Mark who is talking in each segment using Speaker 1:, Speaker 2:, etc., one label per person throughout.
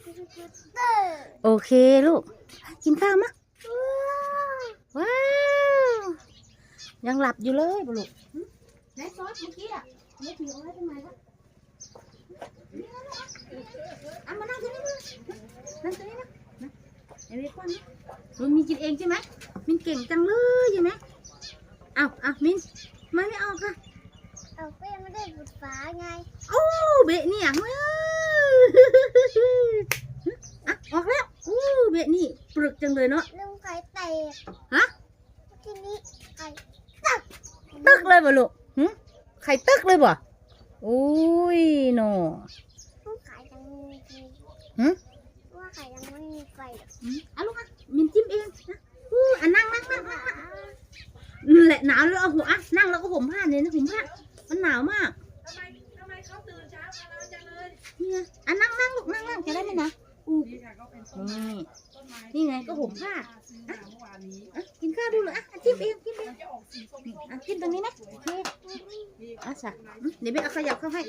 Speaker 1: โอเคลูกกินข้าวมะว้าวยังหลับอยู่เลยบุลูกไหนซอสเมื่อกี้อ่ะเล็กอยู่อะไรตรงไหนละเอามานั่งตรงนี้มานั่งตรงนี้นะไอ้เล็กก้อนนะลุงมีกินเองใช่ไหมมินเก่งจังเลยใช่ไหมเอามินไม่ออกค่ะ
Speaker 2: เอาก็ยังไม่ได้บุดฝาไง
Speaker 1: โอ้เบะเนี่ยออกแล้วเบะนี่ปรึกจังเลยเนาะ
Speaker 2: ลุงไข่แตก
Speaker 1: ฮะ
Speaker 2: ทีนี้ไข่
Speaker 1: ตึกเลยบ่ลูกไข่ตึกเลยบ่อุ้ยหนอ
Speaker 2: ลุงไข่ยังมีไฟว่าไข่ยังไม่มีไฟ
Speaker 1: เอาลูกมินจิ้มเองนะนั่งแหละหนาวแล้วเอาหัวนั่งแล้วก็ห่มผ้าเนี่ยนะห่มผ้ามันหนาวมาก
Speaker 3: ทำไมเขาตื่นเช้ากันแล้วจังเลย
Speaker 1: เนี่ยนั่งลูกนั่งจะได้ไหมนะนี่ไงก็ห่มผ้ากินข้าวดูเลยจิ้มเองกินตรงนี้นะโอเคจ้ะเดี๋ยวไปเอาขยับเข้าให้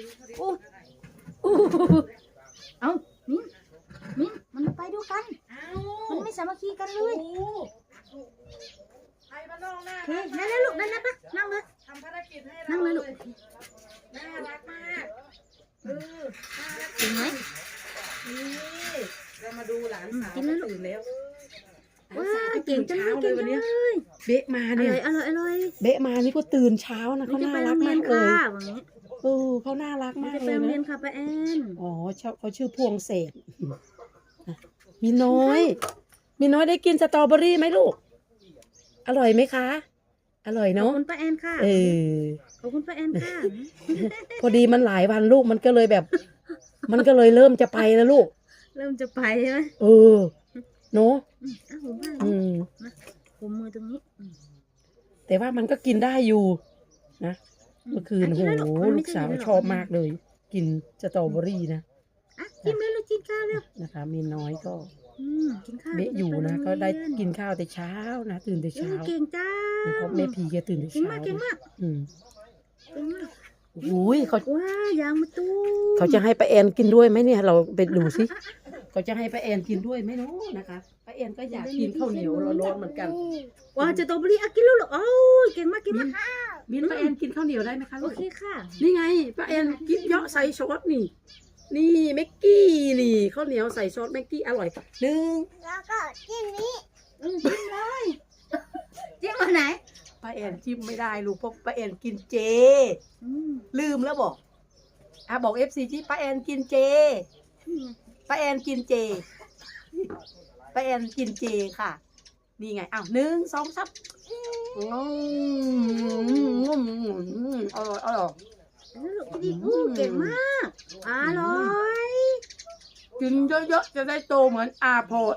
Speaker 1: เอามิ้นมันไปดูกันมันไม่สามัคคีกันเลย
Speaker 3: ไอ้บ้านนอกหน้า
Speaker 1: โอเคนั่นเลยลูกนั่นนะปะนั่งเลย
Speaker 3: ทำภารกิจให้เรา
Speaker 1: นั่งเลยลูก
Speaker 3: น่ารักมาก
Speaker 1: จริงไหม
Speaker 3: นี่เรามาดูหลานสาวตื่นแล้ว
Speaker 1: ว้าเก่งจังเลยวันนี้
Speaker 3: เบะมาเนี่ย
Speaker 1: อร่อย
Speaker 3: เบะมานี่ก็ตื่นเช้านะเขาน่ารักมากเลยเขาน่ารักมากเลยนะ
Speaker 1: เรียนค่ะป้าแอน
Speaker 3: อ๋อเขาชื่อพวงเศษมีน้อยได้กินสตรอเบอรี่ไหมลูกอร่อยไหมคะอร่อยเนาะ
Speaker 1: ขอบคุณป้าแอนค่ะขอบคุณป้าแอนค่ะ
Speaker 3: พอดีมันหลายวันลูกมันก็เลยแบบมันก็เลยเริ่มจะไปแล้วลูก
Speaker 1: เริ่มจะไปใช่ไหม
Speaker 3: เนาะ
Speaker 1: ผมมือตรงนี้
Speaker 3: แต่ว่ามันก็กินได้อยู่นะเมื่อคืนโหลูกสาวชอบมากเลยกินสตรอเบอรี่นะ
Speaker 1: กินเลยลูกกินข้าวแล้ว
Speaker 3: นะคะมีน้อยก็
Speaker 1: กินข้าว
Speaker 3: เบะอยู่นะก็ได้กินข้าวแต่เช้านะตื่นแต่เช้า
Speaker 1: เก่งจ้า
Speaker 3: เพราะแม่พีแกตื่นแต่เช้า
Speaker 1: เก่งมาก
Speaker 3: อุ้ย
Speaker 1: ยางมาตู้
Speaker 3: เขาจะให้ป้าแอนกินด้วยไหมเนี่ยเราไปดูสิเขาจะให้ป้าแอนกินด้วยไหมเนาะนะคะป้าแอนก็อยากกินข้าวเหนียวร้อนๆเหมือนกัน
Speaker 1: ว้าจะโตบรีกินแล้วหรอเก่งมาก
Speaker 3: มีป้าแอนกินข้าวเหนียวได้ไหมคะ
Speaker 1: โอเคค่ะ
Speaker 3: นี่ไงป้าแอนกินเยอะใส่ซอสนี่เม็กกี้นี่ข้าวเหนียวใส่ซอสเม็กกี้อร่อย
Speaker 2: แล้วก็จิ้มนี้
Speaker 1: จิ้มเลยจิ้มอันไหน
Speaker 3: ป้าแอนจิ้มไม่ได้ลูกเพราะป้าแอนกินเจลืมแล้วบอกFCที่ป้าแอนกินเจป้าแอนกินเจป้าแอนกินเจค่ะนี่ไง1 2 3อร่อย
Speaker 1: เก่งมากอร่อย
Speaker 3: กินเยอะๆจะได้โตเหมือนอาโพด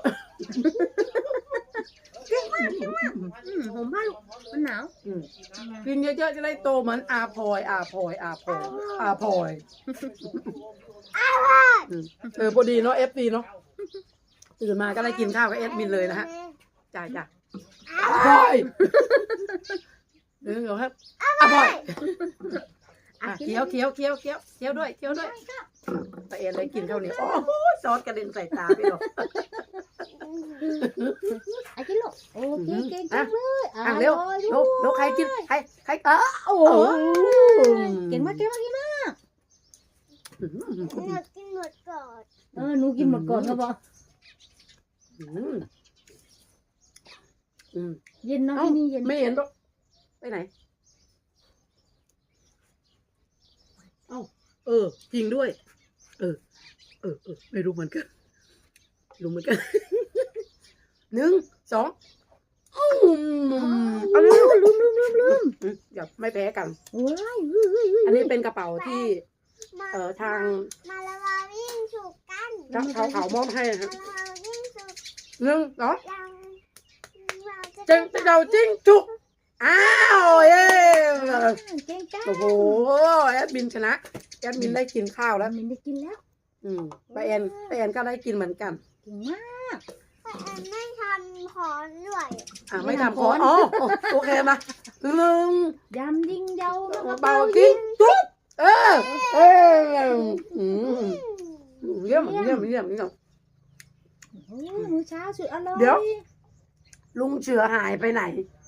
Speaker 1: เก่งมากผมว่ามันหนาว
Speaker 3: กินเยอะๆจะได้โตเหมือนอาพลอยพอดีเนาะFDเนาะตื่นมาก็ได้กินข้าวกับมินเลยนะฮะจ้าพลอยเดี๋ยวครับพลอยเคี้ยวด้วยป้าแอนได้กินข้าวเหนียวโอ้ซอสกระเด็นใส่ตาพี่หรอก
Speaker 1: กินลูกโอเคเก่งจังเลย
Speaker 3: เร็วใครกินใคร
Speaker 1: โอ้เก่งมาก
Speaker 2: กินหมดก่อน
Speaker 1: หนูกินหมดก่อนครับพ่อเย็นเนาะที่นี่เย็น
Speaker 3: ไม่เห็นหรอกไปไหนจริงด้วยไม่รู้เหมือนกัน1 2เอาลืมอย่าไม่แพ้กันอันนี้เป็นกระเป๋าที่ทาง
Speaker 2: มาละวาวิ่งฉุกกัน
Speaker 3: เขามอบให้ครับ1 2เราจิ้งจุกอ้าวเย้โอ้โหแอดมินชนะแอดมินได้กินข้าวแล้ว
Speaker 1: มินได้กินแล้ว
Speaker 3: ป้าแอนก็ได้กินเหมือนกัน
Speaker 1: เก่งมาก
Speaker 2: ป้าแอนไม่ทำขอด้วย
Speaker 3: ไม่ทำขอโอเคม
Speaker 1: ยำยิงเยา
Speaker 3: เบาจิ้งจุกเยี่ยม
Speaker 1: โอ้มื้อเช้าสุดอร่อย
Speaker 3: เดี๋ยว ลุงเสือหายไปไหน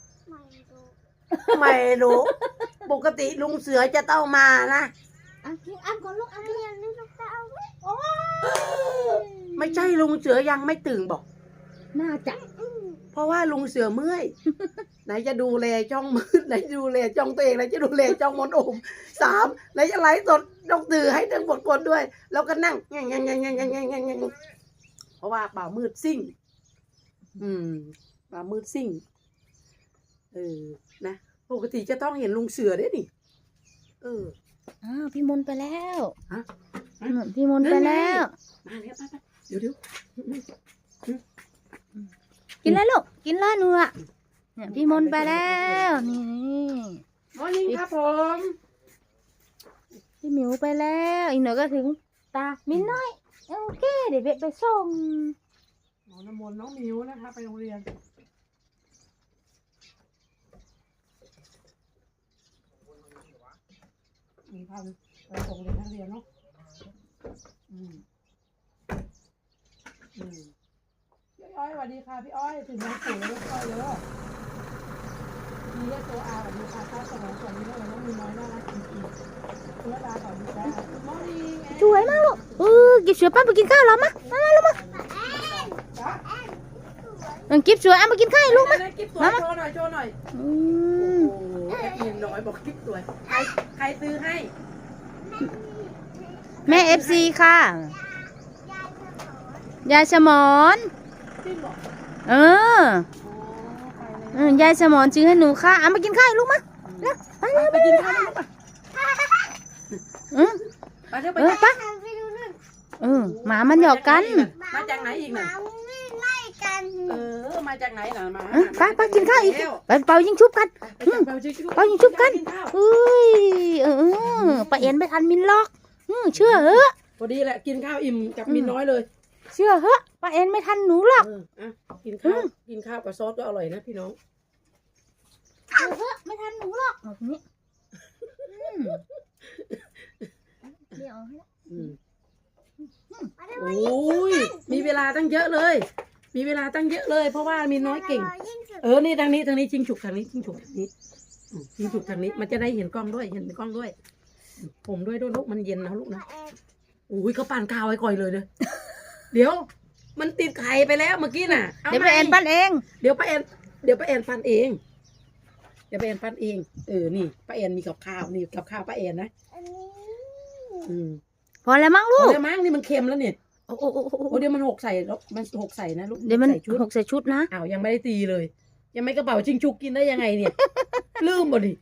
Speaker 2: ไม่รู้
Speaker 3: ไม่รู้ ปกติลุงเสือจะต้องมานะ
Speaker 1: อ่ะกินอ้ำก่อนลูกอ้ำก่อน
Speaker 2: เรียนนี่ลูกจะเอาไว้
Speaker 1: โอ้ย
Speaker 3: ไม่ใช่ลุงเสือยังไม่ตื่นบอก
Speaker 1: น่าจะ
Speaker 3: เพราะว่าลุงเสือเมื่อย ไหนจะดูแลจ้องมืดไหนจะดูแลจ้องตัวเองไหนจะดูแลจ้องมนโอม3ไหนจะไลฟ์สดต้องตื่นให้ทั้งหมดคนด้วย แล้วก็นั่งแงเพราะว่าบ่าวมืดซิ่ง บ่าวมืดซิ่งนะปกติจะต้องเห็นลุงเสือได้นี่
Speaker 1: อ้าวพี่มนต์ไปแล้ว
Speaker 3: ฮะ
Speaker 1: พี่มนต์ไปแล้ว
Speaker 3: มาแล้วไปเดี๋ยว
Speaker 1: กินแล้วลูกกินแล้วหนูอ่ะเนี่ยพี่มนต์ไปแล้วนี่
Speaker 3: มอร์นิ่งครับผม
Speaker 1: พี่หมิวไปแล้วอีกหน่อยก็ถึงตามินน้อยโอเคเดี๋ยวเบะไปส่ง
Speaker 3: น้องน้ำมนต์น้องมิวนะคะไปโรงเรียนมีพาไปส่งเรียนนักเรียนเนาะพี่อ้อยสวัสดีค่ะพี่อ้อยถึงน้องปู่แล้วพี่อ้อยเลยมีเรียกตัวอาสวัสดีค่ะข้าวสมองส่วนนี้แล้วน้องมีน้อยน่ารักจริงๆคุณระดาสวัสดีจ้าน้องดีไง
Speaker 1: สวยมากลูกกิบเสือป้าไปกินข้าวแล้วมาลูกมากิบเสือมากินข้าวลูกมา
Speaker 3: กิ๊บสวยโชว์หน่อยโชว์หน่อย
Speaker 1: อื
Speaker 3: โอ้
Speaker 1: ม
Speaker 3: โหแอดมินน้อยบอกกิ๊บสวยใครซื้อให้
Speaker 1: แม่FC ค่ะยายสมอน
Speaker 3: จริงเหรอ
Speaker 1: เออยายสมอนซื้อให้หนูค่ะเอามากินข้าวลูกมาไปเร็ว
Speaker 3: ไปกินข้าวลูกไปเร็วไป
Speaker 1: ไป
Speaker 2: ไปดูนู่น
Speaker 1: หมามันหยอกกัน
Speaker 3: มาจากไหนอีก
Speaker 2: ห
Speaker 3: น่ะ
Speaker 2: มาวิ่งไล่กัน
Speaker 3: มาจากไหนน่ะมา
Speaker 1: ไปกินข้าวอีกไปเป่ายิงชุบกันเป่ายิงชุบกันเอ้ยป้าเอ็นไม่ทันมินล็อกเชื่อเหอะ
Speaker 3: พอดีแหละกินข้าวอิ่มกับมินน้อยเลย
Speaker 1: เชื่อเหอะป้าเอ็นไม่ทันหนูหรอก
Speaker 3: กินข้าวกับซอสก็อร่อยนะพี่น้อง
Speaker 1: เชื่อเหอะไม่ทันหนูหรอกแบบนี้เดี๋ยวให้
Speaker 3: โอ้ยมีเวลาตั้งเยอะเลย มีเวลาตั้งเยอะเลย เพราะว่ามินน้อยเก่ง นี่ทางนี้ชิงฉุกทางนี้ชิงฉุกทางนี้ชิงฉุกทางนี้มันจะได้เห็นกล้องด้วยเห็นกล้องด้วย ผมด้วยลูกมันเย็นนะลูกนะโอ้ยเขาปั่นข้าวไว้ก่อยเลยเนอะเดี๋ยว มันติดไข่ไปแล้วเมื่อกี้น่ะ
Speaker 1: เดี๋ยวป้าแอนปั้นเอง
Speaker 3: เดี๋ยวป้าแอนปั้นเอง เดี๋ยวป้าแอนปั้นเองนี่ป้าแอนมีกับข้าวนี่กับข้าวป้าแอนนะ
Speaker 1: พอแล้วมั้งลูก
Speaker 3: แล้วมั้งนี่มันเค็มแล้วเนี่ยโอ้เดี๋ยวมันหกใส่แล้วมันหกใส่นะลูก
Speaker 1: เดี๋ยวมัน
Speaker 3: ชุด
Speaker 1: หกใส่ชุดนะ
Speaker 3: อ้าวยังไม่ได้ตีเลย ยังไม่กระเป๋าชิงชุกกินได้ยังไงเนี่ย ลืมบ่ดิ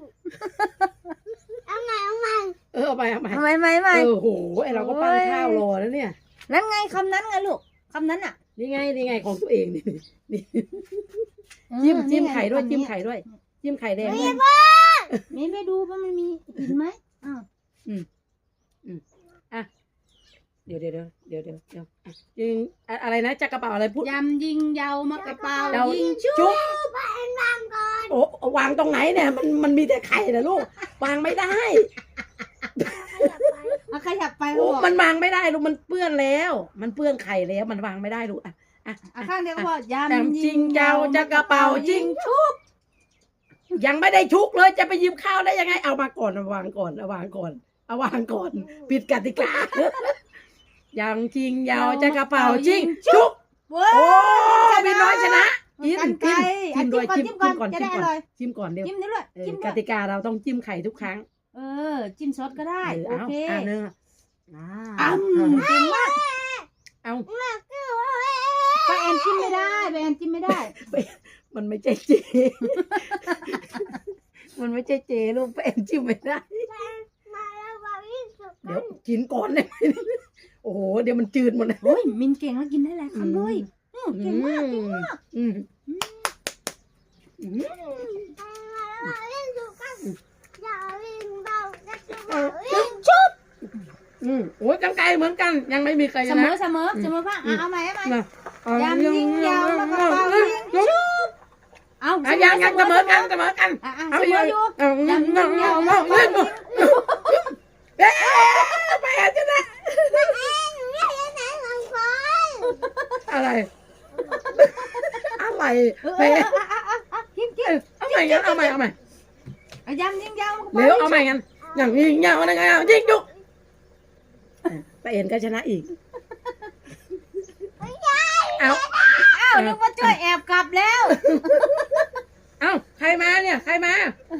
Speaker 2: เอาไง
Speaker 3: เอาไป
Speaker 1: ไม่
Speaker 3: โอ้โหไอเราก็ปั้นข้าวรอแล้วเนี่ย
Speaker 1: นั่นไงคำนั้นไงลูกคำนั้นอ่ะ
Speaker 3: นี่ไงของตัวเองนี่จิ้มไข่ด้วยจิ้มไข่แดงด้วย
Speaker 1: นี่ไม่ดูว่ามันมีหินไหม
Speaker 3: เดี๋ยวยิงอะไรนะจักกระเป๋าอะไรพูด
Speaker 1: ยำยิงเยาวมากระเป๋ายิงชุ
Speaker 3: จุ๊
Speaker 1: บบ
Speaker 3: โอ้วางตรงไหนเนี่ยมันมีแต่ไข่นะลูกวางไม่ได้
Speaker 1: ขยับไป
Speaker 3: โอ้มันวางไม่ได้ลูกมันเปื้อนแล้ว มันเปื้อนไข่แล้วมันวางไม่ได้ลูก
Speaker 1: ข้างเดียวก็ยำ
Speaker 3: จริงเจ้าจักกระเป๋าจริงชุบยังไม่ได้ชุกเลยจะไปหยิบข้าวได้ยังไงเอามาก่อนเอาวางก่อนผิดกติกายังจริงยาวจะกระเป๋าจริงชุบโอ้พี่น้อยชนะจิ้มด้วยจิ้มก่อนเดี๋ยว
Speaker 1: จิ้มนี่ด้วยจิ้ม
Speaker 3: กติกาเราต้องจิ้มไข่ทุกครั้ง
Speaker 1: จิ้มซอสก็ได้โอเค
Speaker 3: เนื้อ
Speaker 1: เก่งมาก
Speaker 3: เอา
Speaker 1: ป้าแอนจิ้มไม่ได้
Speaker 3: มันไม่ใช่เจมันไม่ใช่เจลูกป้าแอนจิ้มไม่ได้เดี๋ยวกินก่อนเลยโอ้โหเดี๋ยวมันจืดหมดเลย
Speaker 1: โอ้ยมินเก่งแล้วกินได้หลายคำเลยเก่งมากชุบ
Speaker 3: โอ้ยกันไกลเหมือนกันยังไม่มีใครชนะ
Speaker 1: เสมอป่ะเอาใหม่ยำยิงยาวแล้วก็เป่ายิงชุบเอา
Speaker 3: ยังเสมอกัน
Speaker 1: เอาอยู่ยำยิงยาวแล้วก็เป่ายิง
Speaker 3: ไปชนะอะไร อะไร
Speaker 1: เออ
Speaker 3: แพ้
Speaker 1: กิน
Speaker 3: เอาใหม่กันเอาใหม่
Speaker 1: เอายำยิงยำ
Speaker 3: เร็วเอาใหม่กันอย่างนี้เงาอะไรกันยิงจุกป้าเอ็นก็ชนะอีกเอา
Speaker 1: อ้าวนึกว่าจ้อยแอบกลับแล้ว
Speaker 3: เอาใครมาเนี่ยใครมา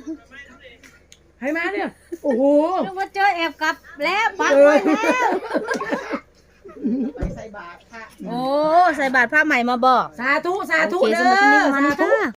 Speaker 3: เนี่ยโอ้โห
Speaker 1: นึกว่าจ้อยแอบกลับแล้วปักไว้แล้ว
Speaker 4: ไปใส่บาตรค่ะ
Speaker 1: โอ้ใส่บาตรผ้าใหม่มาบอก
Speaker 3: สาธุ
Speaker 1: โอเค
Speaker 3: เด้
Speaker 1: สำหรับคลิปนี้
Speaker 3: อ
Speaker 1: ประมาณ
Speaker 3: สา
Speaker 1: นี้
Speaker 3: ธุ
Speaker 1: ค่ะ